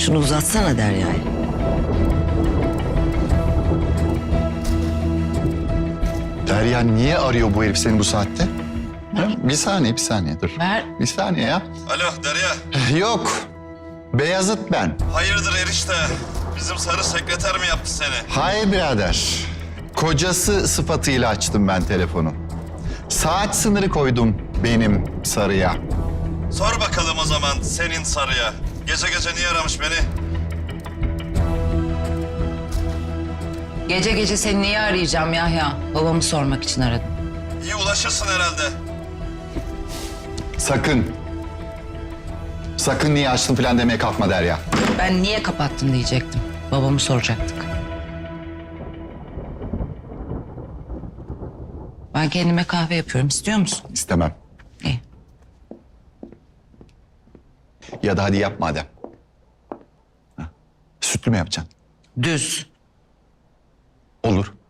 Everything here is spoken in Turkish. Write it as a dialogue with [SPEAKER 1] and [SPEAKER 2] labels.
[SPEAKER 1] Şunu uzatsana Derya'ya.
[SPEAKER 2] Derya niye arıyor bu herif seni bu saatte? Ha? Bir saniye dur.
[SPEAKER 3] Ver.
[SPEAKER 2] Bir saniye ya.
[SPEAKER 4] Alo Derya.
[SPEAKER 2] Yok. Beyazıt ben.
[SPEAKER 4] Hayırdır erişte? Bizim sarı sekreter mi yaptı seni?
[SPEAKER 2] Hayır birader. Kocası sıfatıyla açtım ben telefonu. Saat sınırı koydum benim sarıya.
[SPEAKER 4] Sor bakalım o zaman senin sarıya. Gece gece niye aramış beni?
[SPEAKER 3] Gece gece seni niye arayacağım Yahya? Babamı sormak için aradım.
[SPEAKER 4] İyi ulaşırsın herhalde.
[SPEAKER 2] Sakın. Sakın niye açtın falan demeye kalkma Derya.
[SPEAKER 3] Ben niye kapattın diyecektim. Babamı soracaktık. Ben kendime kahve yapıyorum. İstiyor musun?
[SPEAKER 2] İstemem.
[SPEAKER 3] İyi.
[SPEAKER 2] Ya da hadi yap madem. Ha? Sütlü mü yapacaksın?
[SPEAKER 3] Düz.
[SPEAKER 2] Olur.